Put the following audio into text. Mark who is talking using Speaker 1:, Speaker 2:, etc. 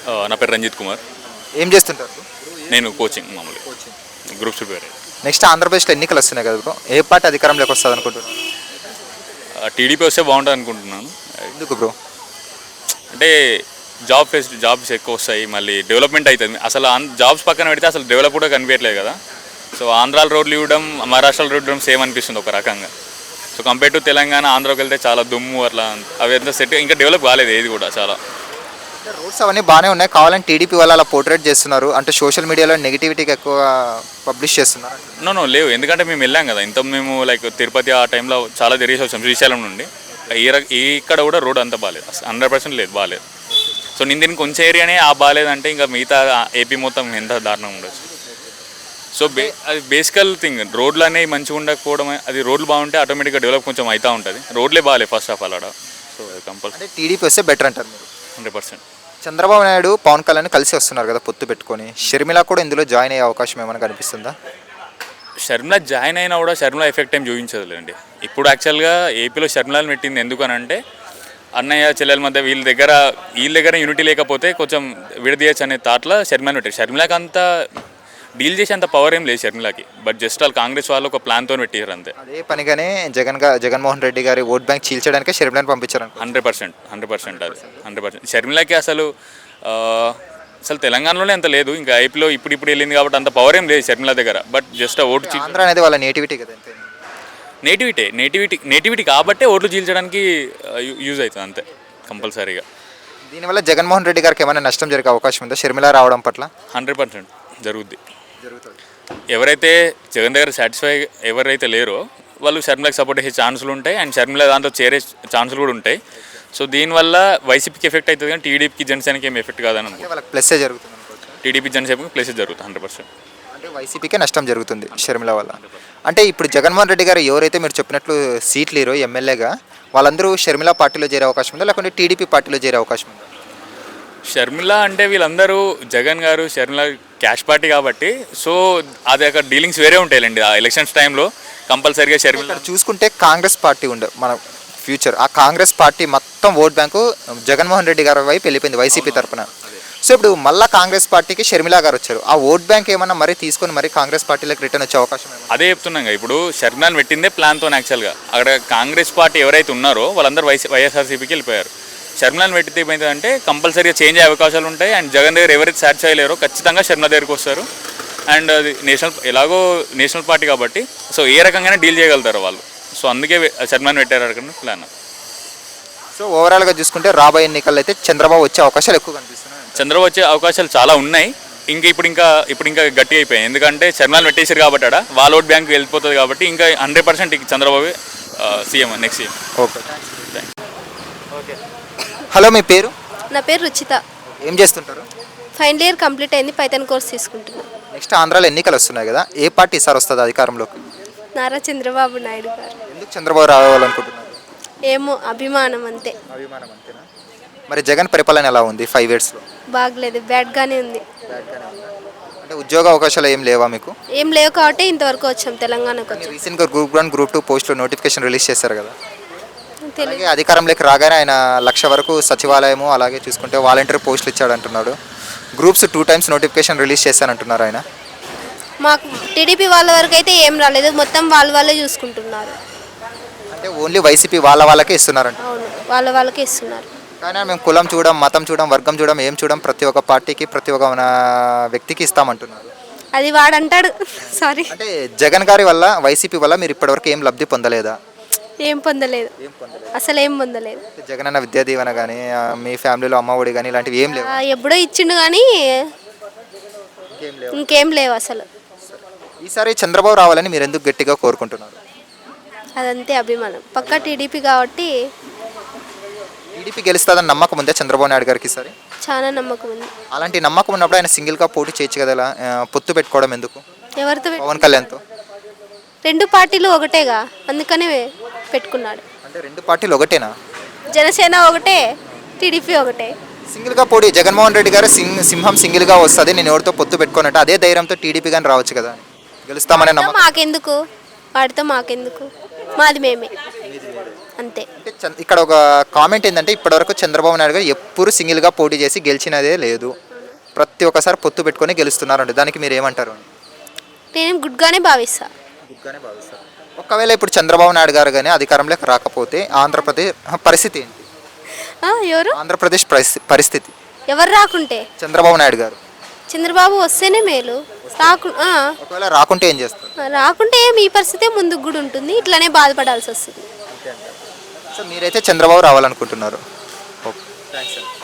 Speaker 1: నా పేరు రంజిత్ కుమార్.
Speaker 2: ఏం చేస్తుంటారు?
Speaker 1: నేను కోచింగ్ మామూలు గ్రూప్స్ ప్రిపేర్ అయ్యాను.
Speaker 2: నెక్స్ట్ ఆంధ్రప్రదేశ్లో ఎన్నికలు వస్తున్నాయి కదా బ్రో, ఏ పార్టీ అధికారంలోకి వస్తుంది అనుకుంటున్నారు?
Speaker 1: టీడీపీ వస్తే బాగుంటుంది అనుకుంటున్నాను.
Speaker 2: ఎందుకు బ్రో?
Speaker 1: అంటే జాబ్స్ ఎక్కువ వస్తాయి, మళ్ళీ డెవలప్మెంట్ అవుతుంది. అసలు జాబ్స్ పక్కన పెడితే అసలు డెవలప్ కూడా కనిపించట్లేదు కదా. సో ఆంధ్రాల రోడ్లు ఇవ్వడం, మహారాష్ట్రలో రోడ్లు ఇవ్వడం సేమ్ అనిపిస్తుంది ఒక రకంగా. సో కంపేర్ టు తెలంగాణ, ఆంధ్రాకి వెళ్తే చాలా దుమ్ము అట్లా, అవి ఎంత సెట్ ఇంకా డెవలప్ కాలేదు ఏది కూడా. చాలా
Speaker 2: రోడ్స్ అవన్నీ బాగానే ఉన్నాయి, కావాలని టీడీపీ వాళ్ళు అలా పోర్ట్రేట్ చేస్తున్నారు అంటే సోషల్ మీడియాలో నెగిటివిటీకి ఎక్కువ పబ్లిష్ చేస్తున్నారు.
Speaker 1: నో లేవు, ఎందుకంటే మేము వెళ్ళాం కదా ఇంత, మేము లైక్ తిరుపతి ఆ టైంలో చాలా తిరిగేసి వచ్చాం శ్రీశైలం నుండి. ఇక్కడ కూడా రోడ్ అంత బాగాలేదు, 100% లేదు, బాగాలేదు. సో నేను దీనికి కొంచెం ఏరియానే బాగాలేదంటే ఇంకా మిగతా ఏపీ మొత్తం ఎంత దారుణంగా ఉండొచ్చు. సో అది బేసికల్ థింగ్, రోడ్లు అనేవి మంచిగా ఉండకపోవడం, అది రోడ్లు బాగుంటే ఆటోమేటిక్గా డెవలప్ కొంచెం అవుతూ ఉంటుంది. రోడ్లే బాగాలేదు ఫస్ట్ ఆఫ్ ఆల్ ఆడ. సో కంపల్సరీ
Speaker 2: టీడీపీ వస్తే బెటర్ అంటారు మీరు?
Speaker 1: 100%.
Speaker 2: చంద్రబాబు నాయుడు పవన్ కళ్యాణ్ కలిసి వస్తున్నారు కదా పొత్తు పెట్టుకొని, షర్మిల కూడా ఇందులో జాయిన్ అయ్యే అవకాశం ఏమైనా కనిపిస్తుందా?
Speaker 1: షర్మిల జాయిన్ అయినా కూడా షర్మిల ఎఫెక్ట్ ఏం చూపించదులేండి. ఇప్పుడు యాక్చువల్గా ఏపీలో షర్మిలను పెట్టింది ఎందుకనంటే అన్నయ్య చెల్లెల మధ్య వీళ్ళ దగ్గర యూనిటీ లేకపోతే కొంచెం విడదీయచ్చు అనే థాట్లో షర్మిలను పెట్టారు. షర్మిలకి అంత డీల్ చేసి అంత పవర్ ఏం లేదు షర్మిలకి, బట్ జస్ట్ వాళ్ళు కాంగ్రెస్ వాళ్ళు ఒక ప్లాన్తో పెట్టారు అంతే.
Speaker 2: అదే పనిగానే జగన్మోహన్ రెడ్డి గారి ఓట్ బ్యాంక్ చీల్చడానికి షర్మిలను పంపించారు.
Speaker 1: 100% అది 100%. షర్మిలకి అసలు తెలంగాణలోనే అంత లేదు, ఇంకా ఏపీలో ఇప్పుడు వెళ్ళింది కాబట్టి అంత పవర్ ఏం లేదు షర్మిల దగ్గర. బట్ జస్ట్ ఓటు
Speaker 2: ఆంధ్ర అనేది వాళ్ళ నేటివిటీ కదా,
Speaker 1: నేటివిటీ కాబట్టే ఓట్లు చీల్చడానికి యూజ్ అవుతుంది అంతే కంపల్సరీగా.
Speaker 2: దీనివల్ల జగన్మోహన్ రెడ్డి గారికి ఏమైనా నష్టం జరిగే అవకాశం ఉందా షర్మిల రావడం పట్ల?
Speaker 1: 100% జరుగుతుంది. ఎవరైతే జగన్ దగ్గర సాటిస్ఫై ఎవరైతే లేరో వాళ్ళు షర్మిలకు సపోర్ట్ చేసే ఛాన్సులు ఉంటాయి, అండ్ షర్మిల దాంట్లో చేరే ఛాన్సులు కూడా ఉంటాయి. సో దీనివల్ల వైసీపీకి ఎఫెక్ట్ అవుతుంది, కానీ టీడీపీకి జనసేనకి ఏం ఎఫెక్ట్ కాదని
Speaker 2: ప్లస్సే జరుగుతుంది.
Speaker 1: టీడీపీ జనసేనకి ప్లస్ జరుగుతుంది 100%.
Speaker 2: అంటే వైసీపీకే నష్టం జరుగుతుంది షర్మిల వల్ల. అంటే ఇప్పుడు జగన్మోహన్ రెడ్డి గారు ఎవరైతే మీరు చెప్పినట్లు సీట్లు లేరో ఎమ్మెల్యేగా, వాళ్ళందరూ షర్మిల పార్టీలో చేరే అవకాశం ఉందా, లేకుంటే టీడీపీ పార్టీలో చేరే అవకాశం ఉందా?
Speaker 1: షర్మిల అంటే వీళ్ళందరూ జగన్ గారు షర్మిల క్యాష్ పార్టీ కాబట్టి, సో అది అక్కడ డీలింగ్స్ వేరే ఉంటాయండి ఆ ఎలక్షన్స్ టైంలో. కంపల్సరీగా షర్మిల
Speaker 2: చూసుకుంటే కాంగ్రెస్ పార్టీ ఉండే మన ఫ్యూచర్, ఆ కాంగ్రెస్ పార్టీ మొత్తం ఓట్ బ్యాంకు జగన్మోహన్ రెడ్డి గారి వైపు వెళ్ళిపోయింది వైసీపీ తరఫున. సో ఇప్పుడు మళ్ళీ కాంగ్రెస్ పార్టీకి షర్మిల గారు వచ్చారు, ఆ ఓట్ బ్యాంక్ ఏమన్నా మరీ తీసుకొని మరి కాంగ్రెస్ పార్టీలోకి రిటర్న్ వచ్చే అవకాశం?
Speaker 1: అదే చెప్తున్నాం, ఇప్పుడు షర్మిలాని పెట్టిందే ప్లాన్తో యాక్చువల్గా. అక్కడ కాంగ్రెస్ పార్టీ ఎవరైతే ఉన్నారో వాళ్ళందరూ వైఎస్ఆర్సీపీకి వెళ్ళిపోయారు. షర్మిలాని పెట్టితే ఏమైందంటే కంపల్సరీగా చేంజ్ అయ్యే అవకాశాలు ఉంటాయి, అండ్ జగన్ దగ్గర ఎవరైతే సాటిస్ఫై లేరో ఖచ్చితంగా షర్మిల దగ్గరికి వస్తారు. అండ్ అది నేషనల్ పార్టీ కాబట్టి సో ఏ రకంగానే డీల్ చేయగలుగుతారు వాళ్ళు. సో అందుకే షర్మిలాని పెట్టారు అక్కడ ప్లాన్.
Speaker 2: సో ఓవరాల్గా చూసుకుంటే రాబోయే ఎన్నికల్లో అయితే చంద్రబాబు వచ్చే అవకాశాలు ఎక్కువ కనిపిస్తున్నాయి.
Speaker 1: చంద్రబాబు వచ్చే అవకాశాలు చాలా ఉన్నాయి. ఇప్పుడు ఇంకా గట్టి అయిపోయాయి, ఎందుకంటే షర్మిలాని పెట్టేశారు కాబట్టి వాళ్ళ ఓట్ బ్యాంక్ వెళ్ళిపోతుంది కాబట్టి ఇంకా 100% Chandrababu CM next CM.
Speaker 2: Okay. Hello, మీ పేరు?
Speaker 3: నా పేరు రుచిత.
Speaker 2: ఏం చేస్తుంటారు?
Speaker 3: ఫైనల్ ఇయర్ కంప్లీట్ అయింది, పైథాన్ కోర్స్ తీసుకుంటున్నాను.
Speaker 2: నెక్స్ట్ ఆంధ్రాలో ఎన్నికలు వస్తున్నాయి కదా, ఏ పార్టీ సార్ వస్తుంది అధికారంలోకి?
Speaker 3: నారా చంద్రబాబు నాయుడు గారు.
Speaker 2: ఎందుకు చంద్రబాబు రావాలనుకుంటున్నారు?
Speaker 3: ఏమో అభిమానం అంతే.
Speaker 2: అభిమానం అంతేనా? మరి జగన్ పరిపాలన ఎలా ఉంది 5 yearsలో?
Speaker 3: బాగలేదు, బ్యాడ్గానే ఉంది.
Speaker 2: అంటే ఉద్యోగ అవకాశాలు ఏం లేవా మీకు?
Speaker 3: ఏం లేవు కాబట్టి ఇంతవరకు వచ్చాం, తెలంగాణకు వచ్చాం.
Speaker 2: రీసెంట్గా గ్రూప్ 1 గ్రూప్ 2 పోస్టులో నోటిఫికేషన్ రిలీజ్ చేశారు కదా,
Speaker 3: తెలియదు.
Speaker 2: అధికారంలోకి రాగానే ఆయన 1,00,000 వరకు సచివాలయము అలాగే చూసుకుంటే వాలంటీర్ పోస్టులు ఇచ్చాడంటున్నాడు. గ్రూప్స్ 2 times నోటిఫికేషన్ రిలీజ్ చేశానంటున్నారు ఆయన.
Speaker 3: మాకు టీడీపీ వాళ్ళ వరకు అయితే ఏం రాలేదు, మొత్తం వాళ్ళే చూసుకుంటున్నారు.
Speaker 2: అంటే ఓన్లీ వైసీపీ వాళ్ళకే ఇస్తున్నారంట.
Speaker 3: అవును, వాళ్ళకే ఇస్తున్నారు.
Speaker 2: కానీ మేము కులం చూడం, మతం చూడం, వర్గం చూడం, ఏం చూడం, ప్రతి ఒక్క పార్టీకి ప్రతి ఒక్క వ్యక్తికి ఇస్తామంటున్నారు.
Speaker 3: అది వాడంటాడు. సారీ.
Speaker 2: అంటే జగన్ గారి వల్ల వైసీపీ వల్ల మీరు ఇప్పటివరకు ఏం లబ్ధి పొందలేదా?
Speaker 3: ఏం పొందలేదు, అసలు ఏం పొందలేదు.
Speaker 2: జగన్ అన్న విద్యా దీవెన కానీ మీ ఫ్యామిలీలో అమ్మఒడి కానీ ఇలాంటివి ఏం లేవు?
Speaker 3: ఎప్పుడో ఇచ్చిండు కానీ ఇంకేం లేవు అసలు.
Speaker 2: ఈసారి చంద్రబాబు రావాలని మీరు ఎందుకు గట్టిగా కోరుకుంటున్నారు?
Speaker 3: అదంతే అభిమానం, పక్కా టీడీపీ కాబట్టి.
Speaker 2: టీడీపీ గెలుస్తుందని నమ్మకం ఉందా చంద్రబాబు నాయుడు గారికి ఈసారి?
Speaker 3: చాలా నమ్మకం ఉంది.
Speaker 2: అలాంటి నమ్మకం ఉన్నప్పుడు ఆయన సింగిల్గా పోటీ చేయొచ్చు కదా, పొత్తు పెట్టుకోవడం ఎందుకు?
Speaker 3: ఎవరితో?
Speaker 2: పవన్ కళ్యాణ్తో.
Speaker 3: 2 పార్టీలు ఒకటేగా, అందుకనే పెట్టుకున్నాడు.
Speaker 2: అంటే 2 పార్టీలు ఒకటేనా?
Speaker 3: జనసేన ఒకటే, టీడీపీ ఒకటే.
Speaker 2: సింగిల్గా పోటీ జగన్మోహన్ రెడ్డి గారు సింహం సింగిల్గా వస్తుంది, నేను ఎవరితో పొత్తు పెట్టుకున్నట్టు అదే ధైర్యంతో టీడీపీ కానీ రావచ్చు కదా, గెలుస్తామనే నమ్మకం.
Speaker 3: మాకెందుకు వాడితో, మాకెందుకు, మాది మేమే అంతే.
Speaker 2: అంటే ఇక్కడ ఒక కామెంట్ ఏంటంటే ఇప్పటివరకు చంద్రబాబు నాయుడు గారు ఎప్పుడు సింగిల్గా పోటీ చేసి గెలిచినదే లేదు, ప్రతి ఒక్కసారి పొత్తు పెట్టుకొని గెలుస్తున్నారండి. దానికి మీరు ఏమంటారు?
Speaker 3: నేను గుడ్గానే భావిస్తా.
Speaker 2: గుడ్గానే భావిస్తారు. ఒకవేళ ఇప్పుడు చంద్రబాబు నాయుడు గారు కానీ అధికారంలోకి రాకపోతే ఆంధ్రప్రదేశ్ పరిస్థితి ఏంటి?
Speaker 3: ఎవరు
Speaker 2: ఆంధ్రప్రదేశ్ పరిస్థితి
Speaker 3: ఎవరు రాకుంటే?
Speaker 2: చంద్రబాబు నాయుడు గారు
Speaker 3: చంద్రబాబు వస్తేనే మేలు.
Speaker 2: ఒకవేళ రాకుంటే ఏం చేస్తారు?
Speaker 3: రాకుంటే మీ పరిస్థితే ముందుకు కూడా ఉంటుంది, ఇట్లానే బాధపడాల్సి వస్తుంది.
Speaker 2: సో మీరైతే చంద్రబాబు రావాలనుకుంటున్నారు. ఓకే, థ్యాంక్స్ అండి.